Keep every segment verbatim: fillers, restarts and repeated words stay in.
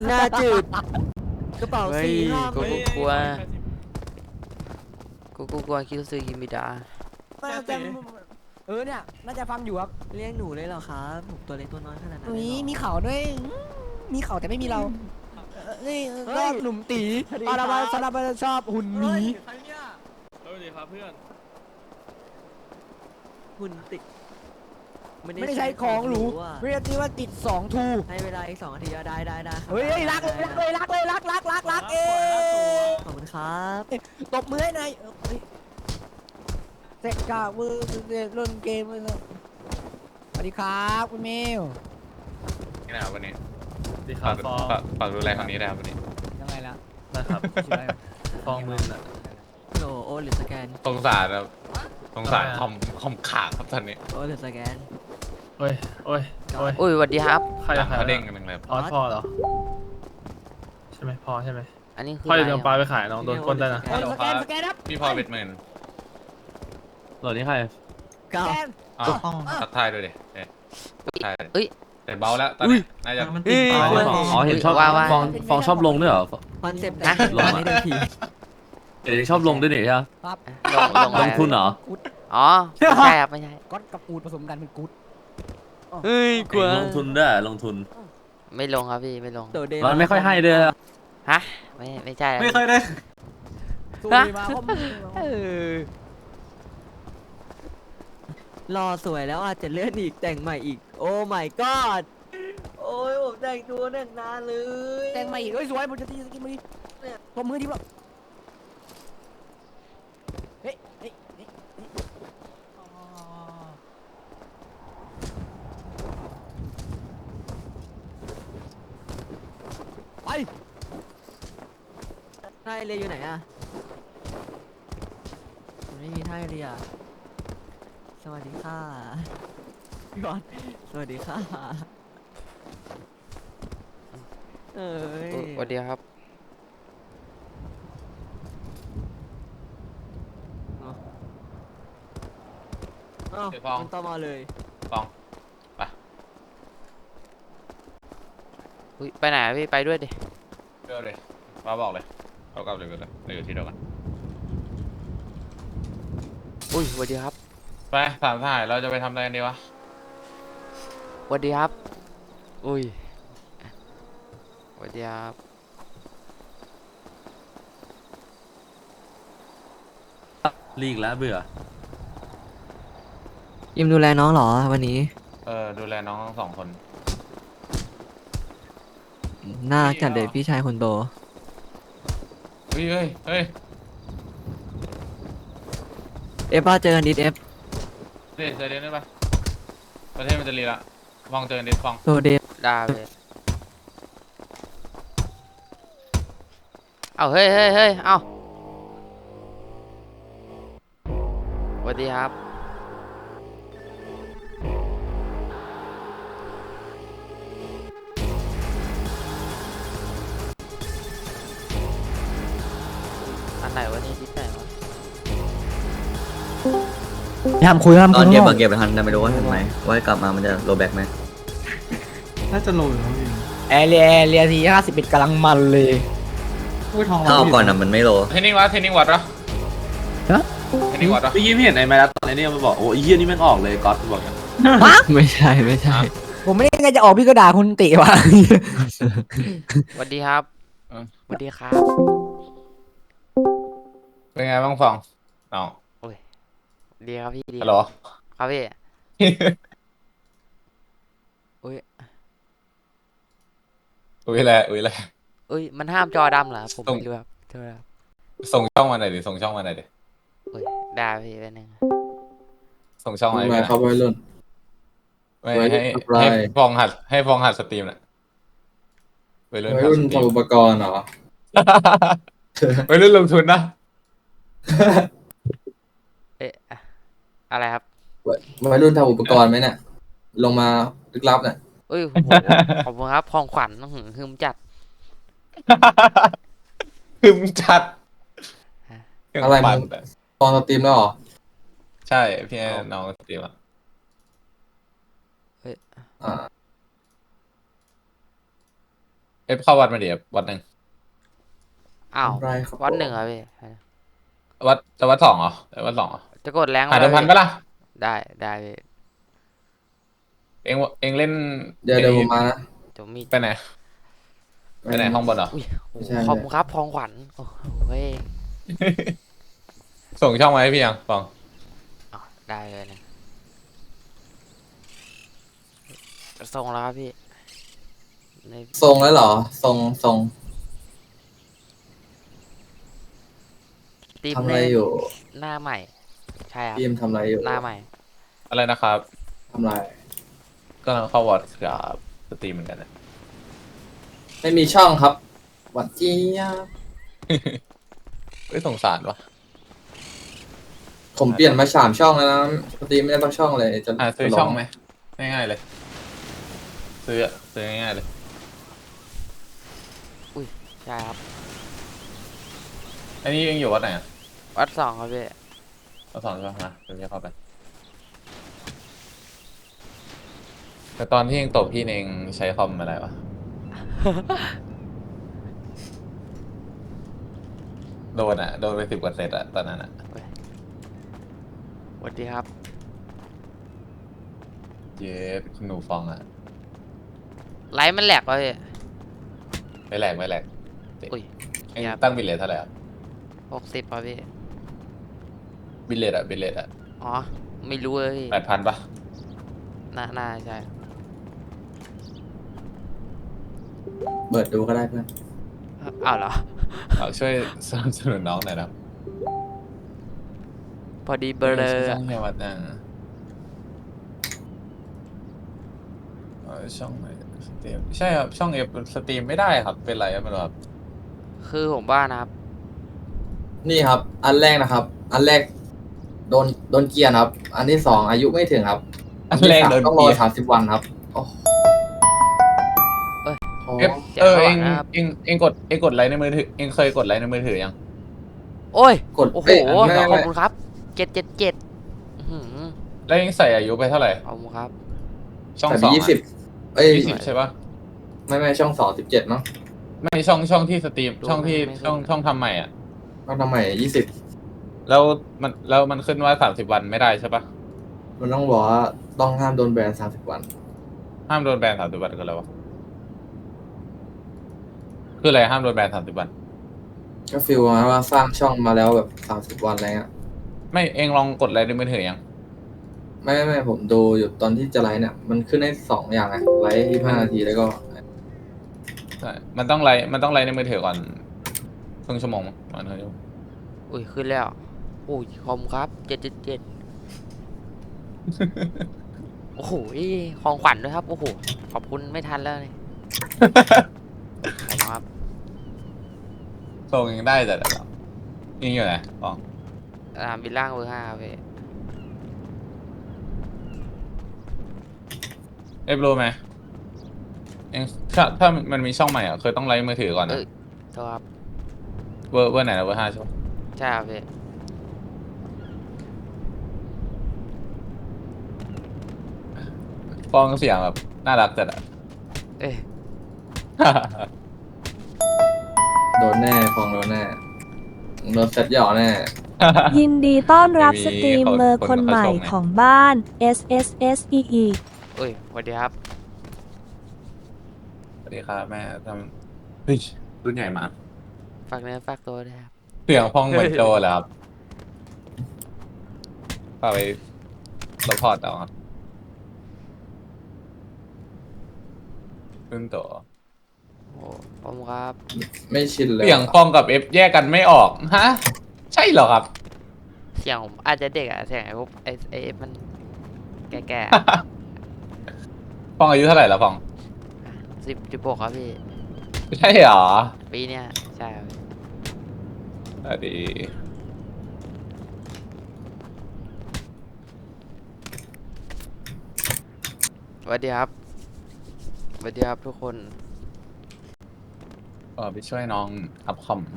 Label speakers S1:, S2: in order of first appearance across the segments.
S1: หน้าจืดกระเป๋า
S2: เฮ้ย
S1: สี่ห้า
S2: กู
S1: ไม่
S2: กลัวกูกูกลัวคิวซึกิมิดา
S3: น่าจะเออเนี่ยน่าจะฟังอยู่ครับ
S1: เรียกหนูเลยเหรอครับผมตัวเล็กตัวน้อยขนาดนั้นเลย
S3: นี่
S1: เหรอ
S3: มีเขาด้วยอืมมีเขาแต่ไม่มีเราเออนี่
S1: เฮ้
S3: ก็
S1: ย
S3: หนุ่มตี
S1: สวัสดี
S3: อาราบา
S1: ครับ
S3: ซาราบาชอบหุ่นหมี
S1: ใครเนี่ย
S4: สวัสดีครับเพื่อน
S1: หุ่นติด
S3: ไม่ได้ใช้ของหรู
S1: อะ
S3: เรียกที่ว่าติดสองทู
S1: ให้เวลาอีกสองนาทีอะได้ได้ได้ครับ
S3: เฮ้ยเฮ้ยรักเลยรักเลยรักเลยรักรักรักรักเอ๊ะ
S1: ขอบคุณครับ
S3: ตบมือให้หน่อยเออเฮ้ยเสกกาเวอร์เล่นเกมเลยนะสวัสดีครับคุณเมล
S5: นี่นะครับวันนี้
S4: ดีค
S5: ฝา
S4: รั
S5: ก
S4: บฟอง
S5: ฝากฝากดูแลคนนี้นะครับวันนี้
S3: ยังไงล่ะ
S4: นะครับ
S3: ชื่ออะไร
S4: ฟองมือน่ะ
S1: โหลโอหรือสแกน
S5: สงสารครับสงสาร
S4: ทำไมอะ
S5: คอมคอมขาดครับตอนนี้
S1: โอหรือสแกน
S4: โอ้ยโอ้ยโอ้ย
S2: อุ้ยสวัสดีครับ
S4: ใคร
S5: หลั
S4: อะ
S5: ง
S4: ใคร
S5: เขา
S4: อะ
S5: เด้งกันหนึ่งเลย
S4: ออสพอเหรอใช่ไหมพอใช่ไหม
S2: อันนี้คือ
S4: พ่อจะ
S2: อะไร
S4: เดินปลาไปขายน้องโดนคนได้นะ
S3: โอ้ยสแกนสแกนครับ
S5: พี่พอเบ็ดหมื่น
S4: หลอดนี้ใคร
S1: เก้า
S3: สแกน
S5: อ้าวทักทายด้วยดิเอ๊ะทักทาย
S2: เอ้ย
S5: แต่เบาแล้วตอนนี้น่าจะ
S2: เอ้ย
S6: อ๋อเห็นชอบ
S2: ว่าว่า
S6: ฟองฟองชอบลงด้วยเหรอ
S1: คอนเซ็ปต์
S2: นะ
S1: ลงนี้เดิมที
S6: เดี๋ยวชอบลงด้วยนี่ใช่ไหม
S3: ครับ
S2: ลงลง
S6: ล
S2: อะไร
S6: งทุนเหรอ
S2: อ๋อไม่ใช่ครับไม่ใช่
S3: ก๊อตกับกูดผสมกันเป็นกูด
S2: เฮ้ยกลัว
S6: ลงทุนด้วยลงทุน
S2: ไม่ลงครับพี่ไม่ลง
S1: โดดเด่น
S6: มันไม่ค่อยให้ด้วย
S2: ฮะไม่ไม่ใช่
S6: ไม่ค่อยได้
S3: สู้ดีมาคอม
S1: เออรอสวยแล้วอาจจะเลื่อนอีกแต่งใหม่อีก โอ้ my god โอ้ยผมแต่งตัวแต่งนานเลย
S3: แต่งมาอีกเอ้ยสวยผมจะตีสกินมาดิตบมือดิบละเฮ้ยเฮ้ยเฮ้ยเฮ้ยอ๋อไป
S1: ท่าเรืออยู่ไหนอะมันไม่มีท่าเรือสวัสดีค่ะพี่บอลสวัสดีค่ะเอ้ย
S2: อุ๊ยสวัสดีครับ
S1: เอ้ามันต่อมาเลย
S5: ฟองไป
S2: อุ้ยไปไหนอะพี่ไปด้วยดิ
S5: เร็วเลยมาบอกเลยเรากลับเลยกันเลยเราอยู่ที่เดียวกัน
S2: อุ้ยสวัสดีครับ
S5: ไปสามถ่ายเราจะไปทำอะไรกันดีวะ
S2: สวัสดีครับ อุ้ยสวัสดีครับ
S6: ลีกแล้วเบื่อ
S1: ยิมดูแลน้องเหรอวันนี้
S5: เออดูแลน้องทั้งสองคน
S1: น่ารักจัดเลยพี่ชายคนโต
S5: เฮ้ยเฮ้ยเฮ้ย
S1: เอฟป้าเจอกันดิสเอฟ
S5: เดี๋ยวใจเย็นได้ปะประเทศมันจะรีละฟองเจอกันดิฟอง
S1: โซเดฟ
S2: ได้เลยเอาเฮ้ยเฮ้ยเฮ้ยเอาสวัสดีครับ อันไหนวะนี่ที่ไหนวะ
S3: ทำคุยทำ
S7: ต
S3: คุ
S7: อย นเก็บ
S3: ข้างน
S7: มา
S3: อก
S7: เก็บไปทันแต่ไม่รู้ว่าทำไมว่ากลับมามันจะโรแบ็กไหม
S3: แอร์เรียแอร์เรียทีห้าสิบเอ็ดกำลังมันเลย
S7: ถ้าเอาก่อนอ่ะมันไม่โล
S5: เทนนิงวัดเทนนิงวัดเหรอ
S3: ฮะ
S5: เทนนิงวัดเหรอ
S6: เมื่อกี้พี่เห็นในมาแล้วตอนนี้มันบอกโอ้ยเยี่ยนี่แม่งออกเลยก๊อตบอกอย่าง
S1: ไม่ใช่ไม่ใช่
S3: ผมไม่ได้ไงจะออกพี่ก็ด่าคุณติว่ะ
S2: สวัสดีครับสวัสดีครับ
S5: เป็นไงบ้างฟองน้อง
S2: ดีครับพี่ดี
S5: ฮัลโหล
S2: ครับพี่อุ้ย
S5: อุ้ยแหละอุ้ยแหละ
S2: อุ้ยมันห้ามจอดำเหรอผม
S5: ส่ง
S2: ไม่รู้ครับโทษครับ
S5: ส่งช่องมาหน่อยดิส่งช่องมาหน่อยดิ
S2: อุ้ยได้พี่เป็นหนึ่ง
S5: ส่งช่องมาให้
S8: มา
S5: พี่หน่อย
S8: ครับวัยรุ่น
S5: ไม่
S8: วัยรุ่
S5: ให้
S8: นทำลาย
S5: ให้ฟองหัดให้ฟองหัดสตรีมน่ะวัยรุ่น
S8: วัย
S5: หัด
S8: รุ่น
S5: สตรีม
S8: ทำอุปกรณ์เหรอ
S5: วัยรุ่นลงทุนนะ
S2: เอ๊ะอะไรครับ
S8: วัยรุ่นทำอุปกรณ์ไหมเนี่ยลงมาลึกลับเนี่ย
S2: อุ้ยโหขอบคุณครับพองขวัญอื้อหือฮึมจัด
S5: คึมจัด
S8: อะไร
S5: ปั่
S8: มึ
S5: น
S8: งตอนสตรีมแล้วเหรอ
S5: ใช่พี่ให้น้องสตรีมอ่ะ
S8: อ่า
S5: ไอฟเข้าวัดมาดิวัดหนึ่ง
S2: อ้าว
S8: ทำไรครับ
S2: วัดหนึ่งเหรอพี่
S5: วัดจะวัดสองเหรอจะวัดสองเหรอ
S2: จะกดแรง
S5: หาเดิมพัน
S2: ไห
S5: ปะล่ะ
S2: ได้ได้พี่
S5: เองเองเล่น
S8: เดี๋ยวเดี๋ยวผมมานะ
S2: จะมี
S5: ไปไหนไปไหนห้องบนเหรอ
S2: อุ้ยโอ้
S8: ไม่
S2: โห
S8: ใช่
S2: ขอบคุณครับพองขวัญโอ้โหเฮ้ย
S5: ส่งช่องมาให้พี่ยังฟอง
S2: อ๋อได้เลยนะส่งแล้วครับพี่ใน
S8: ทรงแล้วเหรอทรงทรง
S2: ทีม
S8: ทำอะไร
S2: เล่น
S8: อยู่
S2: หน้าใหม่ ใช่ครับ
S8: ทีมทำอะไรอยู่
S2: หน้าใหม่
S5: อะไรนะครับ
S8: ทำอะไร
S5: กำลังเข้าวัดกับสตรีมเหมือนกันนะ
S8: ไม่มีช่องครับหวัดเจี๊ยบ
S5: เฮ้ยสงสารวะ
S8: ผมเปลี่ยนมาสามช่องแล้วนะปกติไม่ได้ต้องช่องเลยจะ
S5: อ่าซื้อ
S8: จะล
S5: ช่องไหมง่ายๆเลย ซื้ออะซื้อง่ายๆเลย
S2: ใช่ครับ
S5: อันนี้เองอยู่วัดไหนอะ
S2: วัดสองครับพี่
S5: วัดสองใช่ไหมนะเดี๋ยวจะเข้าไป แต่ตอนที่เองตบพี่เองใช้คอมอะไรวะ โดนอะโดนไปสิบกว่าเซตอะตอนนั้นอะ
S2: สวัสดีครับ
S5: เย้คุณหนูฟองอะ
S2: ไลฟ์มันแหลกวะพี่
S5: ไม่แหลกไม่แหลก
S2: อุ้ย
S5: เอง
S2: ครับ
S5: ตั้งบิลเลตเท่าไหร่อะ
S2: หกสิบป่ะพี่
S5: บิลเลตอะบิลเลตอะ
S2: อ๋อ ไม่รู้เลยพี่
S5: แปดพันปะ
S2: น่าน่าใช่
S8: เปิดดูก็ได้เพื่อน
S2: อ้าวเหรอ
S5: เอาช่วยสนับสนุนน้องหน่อยนะครับ
S2: พอดีเบลอ
S5: ช่องในวัดนะเออช่องไหนสตรีมใช่ครับช่องเอฟสตรีมไม่ได้ครับเป็นไรครับไม่รู้ครับ
S2: คือผมว่านะครับ
S8: นี่ครับ อันแรกนะครับ อันแรก โดนโดนเกียร์ครับ อันที่สองอายุไม่ถึงครับ
S5: อันแรกโดน
S8: ต้อง
S5: เกี
S8: รอย
S5: ร์
S8: สามสิบวันครับโอ้โห
S2: เอ้ย
S8: โอ้
S5: เอฟ
S2: เสียง
S5: เออ
S2: ระห
S5: เอ
S2: ว่าง
S5: ง
S2: นะครับ
S5: เองเองกดเองกดไลค์ในมือถือเองเคยกดไลค์ในมือถือยัง
S2: โอ้ย
S8: กด
S2: โอ้โห
S8: เอ้ยไม่
S2: ข
S8: ไม่
S2: อบ
S8: ไม่
S2: คุณครับเจ็ดเจ็ดเจ็ดอื้อหือ
S5: แล้วเองใส่อายุไปเท่าไหร่
S2: ขอบคุณครับ
S5: ช่อง
S8: แต่
S5: สอง
S8: ยี่สิบเอ้ย
S5: ยี่สิบใช่ปะ
S8: ไม่ไม่ช่องสองสิบเจ็ดมั้ง
S5: ไม่ช่องช่องที่สตรีม
S2: ดู
S5: ช่องที่
S2: ไม่ไม่
S5: ช่องช่องทำใหม่อ่ะ
S8: ต้องทำใหม่ยี่สิบ
S5: แล้วมันแล้วมันขึ้นว่าสามสิบวันไม่ได้ใช่ปะ
S8: มันต้องบอกว่าต้องห้ามโดนแบนสามสิบวัน
S5: ห้ามโดนแบนสามสิบวันก็แล้ววะคืออะไรห้ามโดนแบนสามสิบวัน
S8: ก็ฟีลมาว่าสร้างช่องมาแล้วแบบสามสิบวันอะไรเงี้ย
S5: ไม่เองลองกดไลค์ในมือถือยัง
S8: ไม่ไม่ไม่ผมดูอยู่ตอนที่จะไลฟ์เนี่ยมันขึ้นได้สองอย่างไงไลฟ์ยี่ห้านาทีแล้วก็
S5: ใช่ มันต้องไลน์มันต้องไลน์ในมือถือก่อนครึ่งชั่วโมงมั้งประมาณครึ่งชั่วโมง
S2: อุ้ยขึ้นแล้วอุ้ยขอบคุณครับเจ็ดเจ็ดเจ็ดโอ้โหของขวัญด้วยครับ โอ้โห ขอบคุณไม่ทันแล้วนี่ ขอบคุณครับ
S5: ส่งยังได้แต่เดี๋ยวยิงอยู่ไหนฟอง
S2: สนามบินล่างเบอร์ห้าครับพี่
S5: เอฟรู้ไหมเองถ้าถ้ามันมีช่องใหม่อ่ะเคยต้องไลน์มือถือก่อนนะ
S2: เอ้ยโทษครับ
S5: เวอร์เวอร์ไหนนะเวอร์ห้าใช่ปะ
S2: ใช่ครับพี่
S5: ฟองเสียงแบบน่ารักจัดอ่ะ
S2: เอ้ย
S8: โดนแน่ฟองโดนแน่โดนเซตหย่อแน่
S9: ยินดีต้อนรับ
S5: ไม่มี
S9: สตรีมเมอร์
S5: คน
S9: คนใหม่
S5: เขาชมไง
S9: ของบ้าน S S S E E
S2: เอ้ยสวัสดีครับ
S5: สวัสดีครับแม่ทำเฮ้ยรุ่นใหญ่มาก
S2: ฝากเนื้อฝากตัวด้วยครับ
S5: เสียงฟองเหมือนโจเหรอครับฝากไปสปอร์ตเอาครับรุ่นโต
S2: โอ้ขอบคุณครับ
S8: ไม่ชินเลย
S5: เสียงฟองกับเอฟแยกกันไม่ออกฮะใช่เหรอครับ
S2: เสียงผมอาจจะเด็กอะเสียงไอ้พวกไอ้ไอ้มันแก่
S5: ฟองอายุเท่าไหร่แล้วฟอง
S2: ๆสิบจุดหกครับพี่
S5: ใช่เหรอ
S2: ปีเนี้ยใช่ครับ
S5: สวัสดี
S2: สวัสดีครับสวัสดีครับทุกคน
S5: เออไปช่วยน้องอัพคอม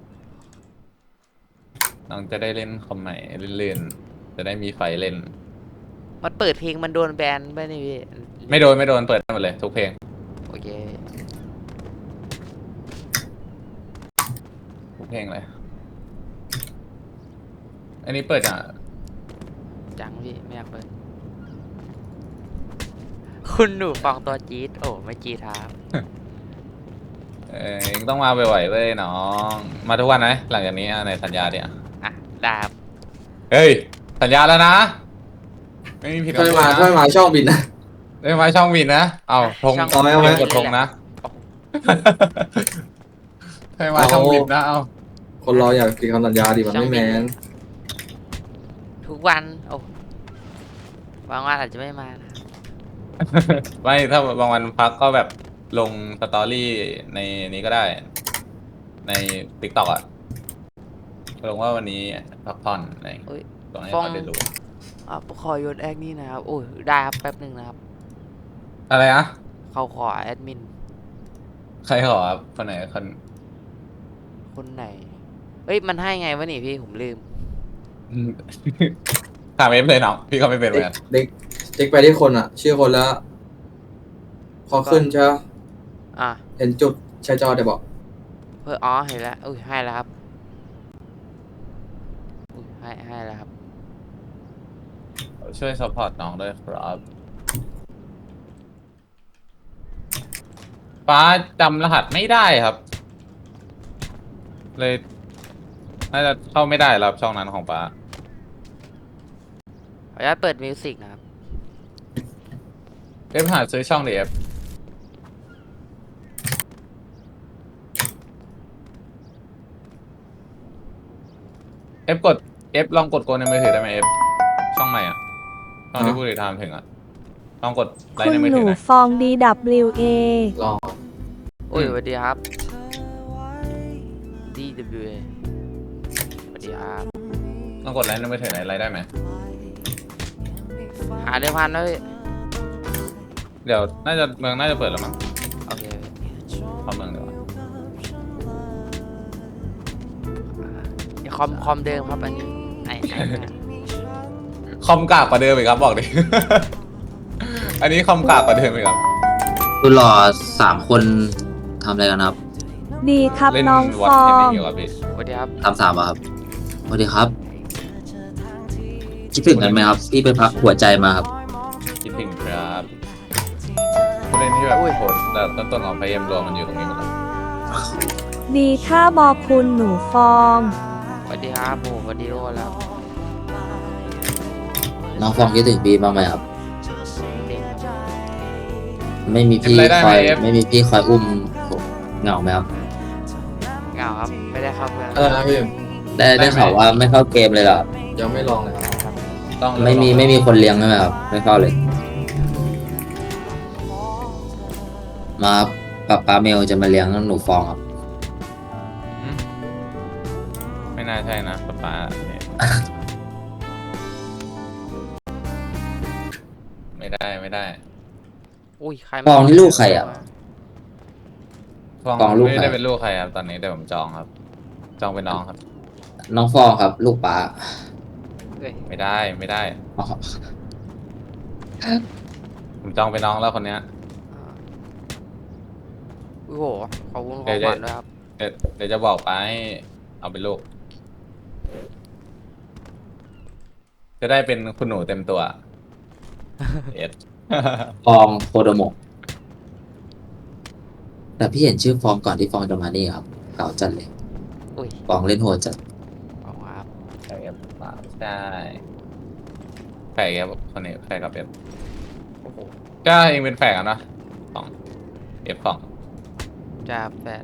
S5: น้องจะได้เล่นคอมใหม่เลื่อนๆจะได้มีไฟเล่น
S2: มันเปิดเพลงมันโดนแบนไปนี่พี่
S5: ไม่โดนไม่โดนเปิดได้หมดเลยทุกเพลง
S2: โอเค
S5: เพลงอะไรอันนี้เปิดอ่ะ
S2: จังพี่ไม่อยากเปิดคุณหนูฟังตัวจี๊ดโอ้ไม่จี๊ดครับ
S5: เออเองต้องมาบ่อยๆเว้ยน้องมาทุกวันไหมหลังจากนี้อ่ะในสัญญาเนี่ย
S2: อ่ะได้ครับ
S5: เฮ้ยสัญญาแล้วนะ ไม่มีผิด
S8: ช่วย
S5: คำพูด
S8: มา
S5: นะ
S8: ช่วยมาช่องบินนะ
S5: เอ้ยมาช่องวินนะเอาธง
S2: ช่อง
S8: เอาไหมเอาไหม
S5: กดธงนะให้มาช่องวินนะเอา
S8: คนเราอยากกินคำสัญญาดิมันไม่แมน
S2: ทุกวันโอ้บางวันอาจจะไม่มานะ
S5: ไม่ถ้าบางวันพักก็แบบลงสตอรี่ในนี้ก็ได้ ในติ๊กต็อกอะลงว่าวันนี้พักผ่อนอะไรอย่างเงี้ย
S2: โอ้ย
S5: ลองให้
S2: ฟ้อง
S5: เขาได้รู้
S2: อ่ะขอโยนแอคนี่นะครับโอ้ยได้ครับแป๊บหนึ่งนะครับ
S5: อะไรนะ
S2: เขาขอแอดมิน
S5: ใครขอครับคนไหนคน
S2: คนไหนเอ้ยมันให้ไงวะนี่พี่ผมลืม
S5: อืม ถามเอฟเลยน้องพี่ก็ไม่เป็นเหมือนกัน
S8: เด็กเด็กไปที่คนอ่ะ ชื่อคนแล้ว พอขึ้นใช่ปะ
S2: อ่ะ
S8: เห็นจุดใช้จอเดี๋ยวบอก
S2: เพื่ออ๋อเห็นแล้วอุ้ยให้แล้วครับอุ้ยให้ให้แล้วครับ
S5: ช่วยซัพพอร์ตน้องด้วยครับฟ้าจำรหัสไม่ได้ครับ เลยน่าจะเข้าไม่ได้แล้วช่องนั้นของฟ้า
S2: ขออนุญาตเปิดมิวสิกนะครับ
S5: เอฟหาซื้อช่องดิเอฟเอฟกดเอฟลองกดโกนในมือถือได้ไหมเอฟช่องใหม่อ่ะช่องที่ผู้ติดตามถึงอ่ะลองกดไล
S9: คุ
S5: ค์
S9: ณ
S5: ในมือ
S9: ห
S5: ถื
S9: นู
S5: อหน่อย
S9: ฟอง ดี ดับเบิลยู เอ
S8: ลอง
S2: อุ้ย
S5: อืม
S2: สวัสดีครับ ดี ดับเบิลยู เอ สวัสดีครับ
S5: ลองกดไลค์ในมือถือหน่อยไลค์ได้ไหม
S2: หาเดือนพันแล้วพี่
S5: เดี๋ยวน่าจะเมืองน่าจะเปิดแล้วมั้ง
S2: โอเค
S5: เข้าเมืองเดี๋ยวา
S2: เดี๋ยวคอมคอมเดิมครับอันนี้ไอ้ไอ้เนี่ย
S5: คอมกากกว่าเดิมอีกครับบอกดิ อันนี้คอมกากกว่าเดิมอีกครับ
S7: คุณหล่อสามคนทำอะไรกันครับ
S9: ดีครับ
S5: เล่น
S9: น้อง
S5: วอ
S9: ฟ
S5: ต
S9: อ
S5: เทน
S9: ง
S5: นิ่งอยู่ครับพี่
S2: สวัสดีครับ
S7: ทำสามอะครับสวัสดีครับ คิดถึงกันไหมครับ พี่ไปพักหัวใจมาครับ
S5: คิดถึงครับผู้เล่นที่แบบโหดแต่ต้นต้นๆของไฟเอ็มรวมมันอยู่ตรงนี้หมดเลย
S9: ดีค่าบอกคุณหนูฟอง
S2: สวัสดีครับโอ้สวัสดีโอ้แล้ว
S7: น้องฟองคิดถึงพี่บ้างไหมครับ
S2: เด็ก
S7: ไม่มีพี่
S5: เป็นไรได้
S7: คอย
S5: ไหมเอฟ
S7: ไม่มีพี่คอยอุ้มเหงาไหมครับ
S2: เหงาครับ ไม่ได้เข้าเพื่อน
S8: อะไรนะพี่
S7: ได้ได้ข่าวว่าไม่เข้าเกมเลยเหรอครับ
S8: ยังไม่ลองเลยครับ
S5: ต้อง
S7: ไม่มีไม่มีคนเลี้ยงใช่ไหมครับ ไม่เข้าเลย มาครับป๊าป๊าเมลจะมาเลี้ยงหนูฟองครับ
S5: อืมไม่น่าใช่นะป๊าป๊าเนี่ย ไม่ได้ไม่ได้
S2: อุ้ยใคร
S7: ฟองนี่ลูกใครอ่ะ
S5: ฟอง
S7: ฟองลูก
S5: ไม่
S7: ใคร
S5: ได้เป็นลูกใครครับตอนนี้แต่ผมจองครับ จองเป็นน้องครับ
S7: น้องฟองครับ ลูกป๊า
S2: เอ้ย
S5: ไม่ได้ไม่ได้
S7: อ๋อ
S5: ผมจองเป็นน้องแล้วคนเนี้ย
S2: อ่าโอ้โหขอบคุณข
S5: เดี๋
S2: อง
S5: ยว
S2: ขวัญด้วยครับ
S5: เดี๋ยวเดี๋ยวจะบอกป้าให้เอาเป็นลูก จะได้เป็นคุณหนูเต็มตัว เอ็ด
S7: ฟองโคโดโมะแต่พี่เห็นชื่อฟองก่อนที่ฟองจะมานี่ครับเก่าจัดเลย
S2: อุ้ย
S7: ฟองเล่นโหดจัด
S2: ขอบคุณครับ
S5: ใช่ครับป้าใช่แฝกครับคนนี้แฝกกับเอฟ
S2: โอ้โห
S5: ก็เองเป็นแฝกกันนะสองเอฟสอง
S2: จะแปด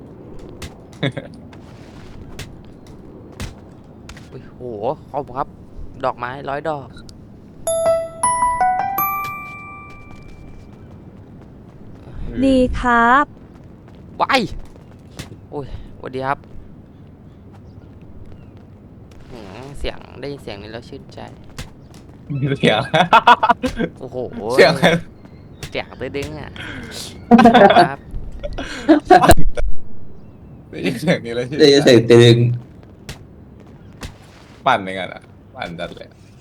S2: อุ้ยโหขอบคุณครับ ดอกไม้ร้อยดอก
S9: ดีครับ
S2: วายโอ้ยสวัสดีครับหืมเสียงได้ยินเสียงนี้แล้วชื่นใจ
S5: เสียง
S2: โอ้โห
S5: เสียงอะไร
S2: เสียงตื้อดึงอ่ะ ครับ
S5: ได้ยินเสียงนี้แล้วชื่น
S7: เดี๋ยวจะ
S5: ใจ
S7: เสียงตึง
S5: ปั่นยังไงอ่ะปั่นจัดเลย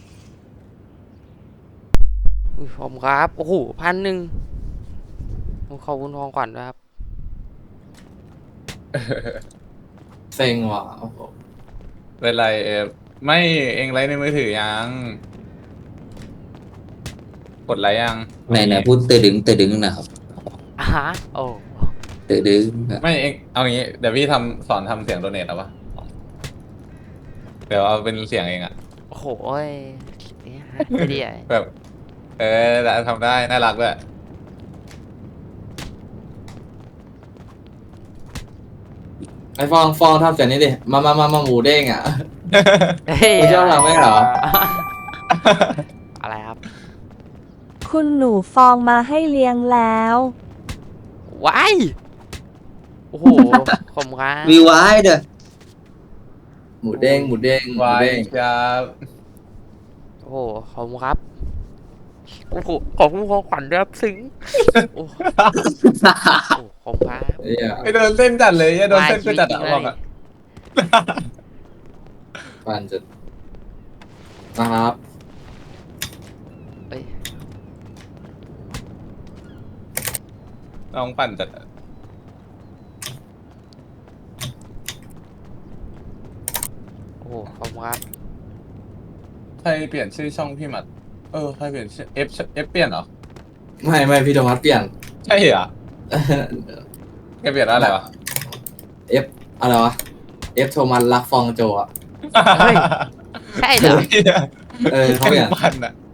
S2: อุ้ยผมครับ โอ้โหพันหนึ่งขอบคุณทองขวัญด้วยครับ
S8: เซ็งว่ะโอ้โห
S5: เป็นไรเอฟไม่เองไลฟ์ในมือถือยัง กดไลค์ยัง
S7: ไหนไหนพูดเตอดึงเตอดึงนะครับ
S2: อ่ะฮะโอ้
S7: เตอดึงอะ
S5: ไม่เองเอางี้เดี๋ยวพี่ทำสอนทำเสียงโดเนทเอาปะเดี๋ยวเอาเป็นเสียงเองอะ
S2: โอ้โหเอ้ยเนี่ยฮะไม่ดีอ่ะ
S5: แบบ เออแต่ทำได้น่ารักด้วย
S8: ไอ้ฟองฟองทำเสียงนี้ดิมามามามาหมูเด้งอ่ะ
S2: เฮ้ย
S8: ไม่ชอบทำไหมเหรอ
S2: อะไรครับ
S9: คุณหนูฟองมาให้เลี้ยงแล้ว
S2: ว้ายโอ้โหผมครับ
S7: วีไวายเด้อ
S8: หมูเด้งหมูเด้งหมู
S5: วาย
S8: เด้ง
S5: ครับ
S2: โอ้โหขอบคุณครับโอ้โหขอบคุณของขวัญด้วยครับซึ้งโอ้โหขอบคุณครับ
S8: เหี้ย
S5: ไอโดนเส้นจัดเลยไอโดนเส้นก็จัดอะบอกอะ
S8: ฟันจะนะครับ
S2: เอ้ย
S5: น้องปั่นจัดอะ
S2: โอ้โหขอบคุณครับ
S5: ใครเปลี่ยนชื่อช่องพี่หมัด เออใครเปลี่ยนชื่อเอฟเอฟเปลี่ยนเหรอ
S8: ไม่ไม่พี่โทมัสเปลี่ยน
S5: ใช่เหรอแกเปลี่ยนว่าอะไรวะ
S8: เอฟอะไรวะเอฟโทมัสรักฟองโจอ่ะ
S2: เฮ้ย ใช่เหรอ
S8: เออเขาเปลี่ยน
S5: ปั่นอะ